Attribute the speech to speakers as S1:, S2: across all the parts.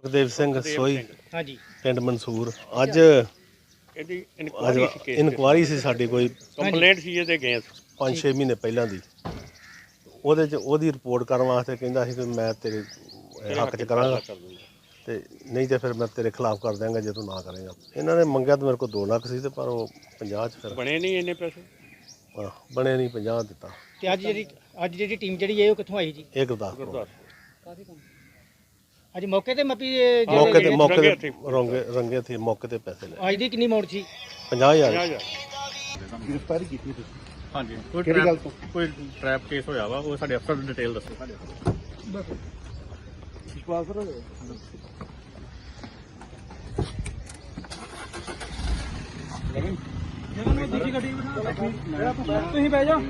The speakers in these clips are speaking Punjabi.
S1: ਸੁਖਦੇਵ ਸਿੰਘ ਸੋਈ
S2: ਹਾਂਜੀ
S1: ਪਿੰਡ ਮਨਸੂਰ ਅੱਜ
S3: ਇਹਦੀ ਇਨਕੁਆਇਰੀ ਸੀ ਕੇਸ
S1: ਇਨਕੁਆਰੀ ਸੀ ਸਾਡੀ ਕੋਈ
S3: ਕੰਪਲੇਂਟ ਸੀ ਇਹਦੇ ਗਏ
S1: 5-6 ਮਹੀਨੇ ਪਹਿਲਾਂ ਦੀ ਉਹਦੇ ਚ ਉਹਦੀ ਰਿਪੋਰਟ ਕਰਨ ਵਾਸਤੇ ਕਹਿੰਦਾ ਸੀ ਕਿ ਮੈਂ ਤੇਰੇ ਹੱਕ ਚ ਕਰਾਂਗਾ ਤੇ ਨਹੀਂ ਤੇ ਫਿਰ ਮੈਂ ਤੇਰੇ ਖਿਲਾਫ ਕਰ ਦਿਆਂਗਾ ਜੇ ਤੂੰ ਨਾ ਕਰੇਗਾ। ਇਹਨਾਂ ਨੇ ਮੰਗਿਆ ਤਾਂ ਮੇਰੇ ਕੋਲ 2 ਲੱਖ ਸੀ ਤੇ ਪਰ ਉਹ 50 ਚ ਫਿਰ
S3: ਬਣੇ ਨਹੀਂ ਇੰਨੇ ਪੈਸੇ
S1: ਬਣੇ ਨਹੀਂ 50 ਦਿੱਤਾ।
S2: ਤੇ ਅੱਜ ਜਿਹੜੀ ਟੀਮ ਜਿਹੜੀ ਹੈ ਉਹ ਕਿੱਥੋਂ ਆਈ ਜੀ?
S1: ਇਹ ਗੁਰਦਾਸਪੁਰ
S3: ਗੁਰਦੁਆਰਾ
S2: ਅੱਜ ਮੌਕੇ ਤੇ ਮੱਪੀ
S1: ਮੌਕੇ ਤੇ ਰੰਗੇ ਥੇ ਮੌਕੇ ਤੇ ਪੈਸੇ ਲੈ
S2: ਅੱਜ ਦੀ ਕਿੰਨੀ ਅਮਾਉਂਟ ਸੀ?
S1: 50,000।
S4: ਗ੍ਰਿਫਤਾਰੀ ਕੀਤੀ ਤੁਸੀਂ?
S3: ਹਾਂਜੀ
S4: ਕਿਹੜੀ ਗੱਲ ਤੋਂ?
S3: ਕੋਈ ਟ੍ਰੈਪ ਕੇਸ ਹੋਇਆ ਵਾ ਉਹ ਸਾਡੇ ਅਫਸਰ ਦੀ ਡਿਟੇਲ ਦੱਸੋ ਸਾਡੇ
S4: ਵਿਸ਼ਵਾਸ ਕਰੋ
S2: ਤੁਸੀਂ ਬਹਿ ਜਾਓ।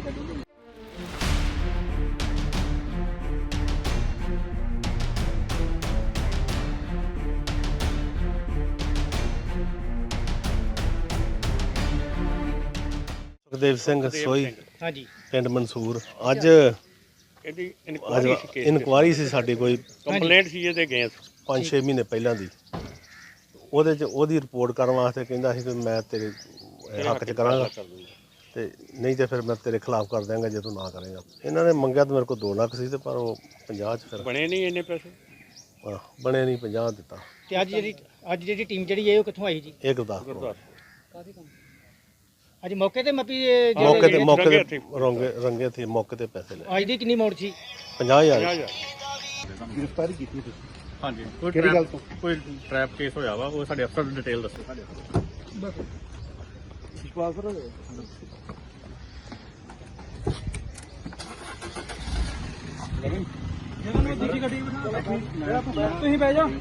S1: ਸੁਖਦੇਵ ਸਿੰਘ ਸੋਈ
S2: ਹਾਂਜੀ
S1: ਪਿੰਡ ਮਨਸੂਰ ਅੱਜ
S3: ਇਹਦੀ ਇਨਕੁਆਇਰੀ ਸੀ ਕੇਸ
S1: ਇਨਕੁਆਰੀ ਸੀ ਸਾਡੀ ਕੋਈ
S3: ਕੰਪਲੇਂਟ ਸੀ ਇਹਦੇ ਗਏ
S1: 5-6 ਮਹੀਨੇ ਪਹਿਲਾਂ ਦੀ ਉਹਦੇ ਚ ਉਹਦੀ ਰਿਪੋਰਟ ਕਰਨ ਵਾਸਤੇ ਕਹਿੰਦਾ ਸੀ ਕਿ ਮੈਂ ਤੇਰੇ ਹੱਕ ਚ ਕਰਾਂਗਾ ਤੇ ਨਹੀਂ ਤੇ ਫਿਰ ਮੈਂ ਤੇਰੇ ਖਿਲਾਫ ਕਰ ਦਿਆਂਗਾ ਜੇ ਤੂੰ ਨਾ ਕਰੇਗਾ। ਇਹਨਾਂ ਨੇ ਮੰਗਿਆ ਤਾਂ ਮੇਰੇ ਕੋਲ 2 ਲੱਖ ਸੀ ਤੇ ਪਰ ਉਹ 50 ਚ ਫਿਰ
S3: ਬਣੇ ਨਹੀਂ ਇੰਨੇ ਪੈਸੇ
S1: ਬਣੇ ਨਹੀਂ 50 ਦਿੱਤਾ।
S2: ਤੇ ਅੱਜ ਜਿਹੜੀ ਟੀਮ ਜਿਹੜੀ ਹੈ ਉਹ ਕਿੱਥੋਂ ਆਈ ਜੀ?
S1: ਇਹ ਗੁਰਦਾਸਪੁਰ
S3: ਗੁਰਦੁਆਰਾ
S2: ਅੱਜ ਮੌਕੇ ਤੇ ਮੱਪੀ
S1: ਮੌਕੇ ਤੇ ਰੰਗੇ ਥੇ ਮੌਕੇ ਤੇ ਪੈਸੇ ਲੈ
S2: ਅੱਜ ਦੀ ਕਿੰਨੀ ਅਮਾਉਂਟ ਸੀ?
S1: 50,000।
S4: ਗ੍ਰਿਫਤਾਰੀ ਕੀਤੀ ਤੁਸੀਂ?
S3: ਹਾਂਜੀ
S4: ਕਿਹੜੀ ਗੱਲ ਤੋਂ?
S3: ਕੋਈ ਟ੍ਰੈਪ ਕੇਸ ਹੋਇਆ ਵਾ ਉਹ ਸਾਡੇ ਅਫਸਰ ਦੀ ਡਿਟੇਲ ਦੱਸੋ ਸਾਡੇ
S4: ਵਿਸ਼ਵਾਸ ਕਰੋ
S2: ਤੁਸੀਂ ਬਹਿ ਜਾਓ।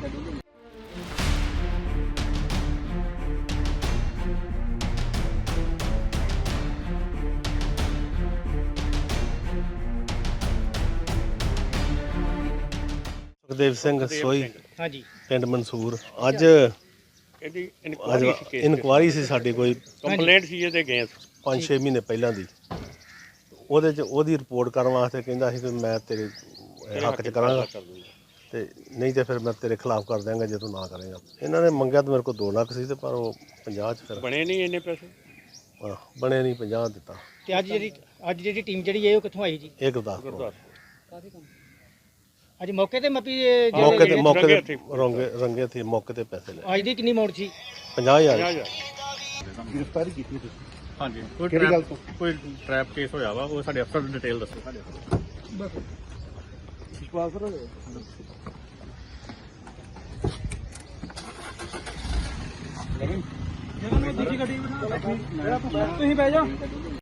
S1: ਸੁਖਦੇਵ ਸਿੰਘ ਸੋਈ
S2: ਹਾਂਜੀ
S1: ਪਿੰਡ ਮਨਸੂਰ ਅੱਜ
S3: ਇਹਦੀ ਇਨਕੁਆਇਰੀ ਸੀ ਕੇਸ
S1: ਇਨਕੁਆਰੀ ਸੀ ਸਾਡੀ ਕੋਈ
S3: ਕੰਪਲੇਂਟ ਸੀ ਇਹਦੇ ਗਏ
S1: 5-6 ਮਹੀਨੇ ਪਹਿਲਾਂ ਦੀ ਉਹਦੇ ਚ ਉਹਦੀ ਰਿਪੋਰਟ ਕਰਨ ਵਾਸਤੇ ਕਹਿੰਦਾ ਸੀ ਕਿ ਮੈਂ ਤੇਰੇ ਹੱਕ ਚ ਕਰਾਂਗਾ ਤੇ ਨਹੀਂ ਤੇ ਫਿਰ ਮੈਂ ਤੇਰੇ ਖਿਲਾਫ ਕਰ ਦਿਆਂਗਾ ਜੇ ਤੂੰ ਨਾ ਕਰੇਗਾ। ਇਹਨਾਂ ਨੇ ਮੰਗਿਆ ਤਾਂ ਮੇਰੇ ਕੋਲ 2 ਲੱਖ ਸੀ ਤੇ ਪਰ ਉਹ 50 ਚ ਫਿਰ
S3: ਬਣੇ ਨਹੀਂ ਇੰਨੇ ਪੈਸੇ
S1: ਬਣੇ ਨਹੀਂ 50 ਦਿੱਤਾ।
S2: ਤੇ ਅੱਜ ਜਿਹੜੀ ਟੀਮ ਜਿਹੜੀ ਹੈ ਉਹ ਕਿੱਥੋਂ ਆਈ ਜੀ?
S1: ਇਹ ਗੁਰਦਾਸਪੁਰ
S3: ਗੁਰਦੁਆਰਾ
S2: ਅੱਜ ਮੌਕੇ ਤੇ ਮੱਪੀ
S1: ਰੰਗੇ ਥੇ ਮੌਕੇ ਤੇ ਪੈਸੇ ਲੈ
S2: ਅੱਜ ਦੀ ਕਿੰਨੀ ਅਮਾਉਂਟ ਸੀ?
S1: 50,000।
S4: ਗ੍ਰਿਫਤਾਰੀ ਕੀਤੀ ਤੁਸੀਂ?
S3: ਹਾਂਜੀ
S4: ਕਿਹੜੀ ਗੱਲ ਤੋਂ?
S3: ਕੋਈ ਟ੍ਰੈਪ ਕੇਸ ਹੋਇਆ ਵਾ ਉਹ ਸਾਡੇ ਅਫਸਰ ਦੀ ਡਿਟੇਲ ਦੱਸੋ ਸਾਡੇ
S4: ਵਿਸ਼ਵਾਸ ਕਰੋ
S2: ਤੁਸੀਂ ਬਹਿ ਜਾਓ।